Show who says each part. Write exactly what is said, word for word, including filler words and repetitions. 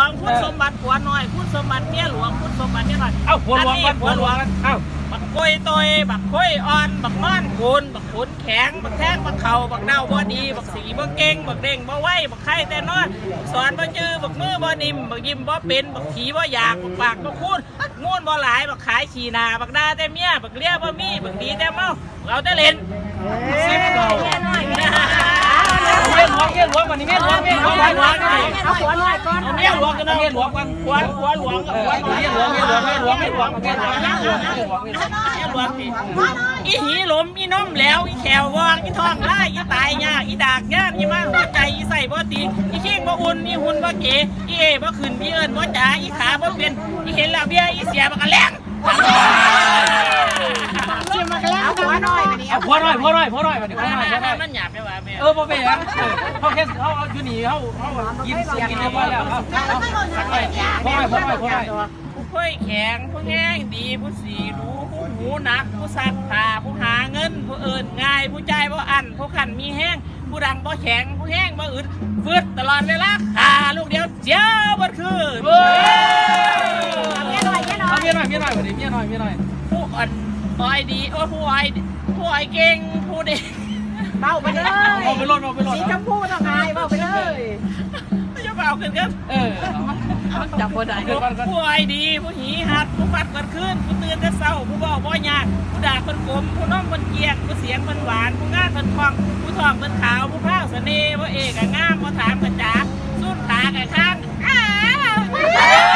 Speaker 1: งพูดสมบัติผัวน้อยพูดสมบัติเมียหลวงพูดสมบัติเมียน้อย
Speaker 2: เอ้าผัวหลวงกันผัวหลวงกันเอ้า
Speaker 1: บักกล้วยตอยบักกล้วยอ่อนบักนอนคูนบักขุนแข็งบักแท่งบักเข่าบักเน่าบ่ดีบักสีบ่เก่งบักเด้งบ่ไหวบักไข่แต่นอนสอนบ่จื้อบักมือบ่นิ่มบักยิ้มบ่เป็นบักผีบ่อยากบักปากบ่คูนงูนบ่หลายบักขายขี้นาบักด่าแต่เมียบักเลี้ยบ่มีบักดีแต่เมาเอาแต่เล่นสิบเก่าเมียหลวงเมียหลวงเมียหลวงวันนี้เมียหลวงเมียหลวงเมียหลวงเอาผัวน้อยก่อนเมียหลวงกันเมียหลวงกันผัวผัวหลวงกับผัวน้อยเมียหลวงเมียหลวงเมียหลวงเมียหลวงเมียหลวงเมียหลวงเมียหลวงเมียหลวงเมียหลวงอีหีหลมอีน้มแล้วอีแขววางอีท้องไล่อีตายยากอีดากยากอีมาหัวใจอีใส่บ่ตีอีเข่งบ่อุ่นอีหุ่นบ่เก๋อีเอบ่ขึ้นอีเอิญบ่จ๋าอีขาบ่เป็นอีเห็นแล้วเบี้ยอีเสียบ่กระแลงชิมมากแล้วผัวน้อยวันนี้
Speaker 2: เอาผัวน้อยผัวน้อยผัวน้อยวันนี้ผัวน้อยผัวน้อย
Speaker 1: มันหยาบไปว่าแม่
Speaker 2: เออบ่เป็นหยังเขาแค่เขาเอาอยู่นี่เขาเขากินกินเรียบร้อยแล้วครับผัวน้อยผัวน้อยผัวน้อย
Speaker 1: ผู้ค่อยแข็งผู้แห้งดีผู้สีรู้ผู้หูหนักผู้ซักผ้าผู้หาเงินผู้เอิญง่ายผู้ใจบ่อันผู้ขันมีแห้งผู้ดังบ่แข็งผู้แห้งบ่อึดฟืดตลอดเวลาขาลูกเดียวเจ้าบ่คืนเมียน้อยเมียน้อย
Speaker 2: เมียน้อยเมียน้อยวันนี้เมียน้อยเมียน้อย
Speaker 1: ผู้อ่อนอ้อยดีโอ้ผู้อ้อยผู้อ้อยเก่งผู้เด็กเบาไปเลย
Speaker 2: เอาไปรถเอาไปรถ
Speaker 1: สีชมพูต้องไงเบาไปเลยไม่จะเบาขึ้นกัน
Speaker 2: เออ
Speaker 1: จับผู้ใดผู้อ้อยดีผู้หีหัดผู้ฟัดกันขึ้นผู้ตื่นแต่เศร้าผู้บอกบ่ยากผู้ด่าคนกลมผู้น้องคนเกียกผู้เสียงคนหวานผู้งานคนคล่องผู้ทองคนขาวผู้พร้าวเสน่ห์ผู้เอกงามผู้ถามกันจ๋าสู้ขากะข้างอ้า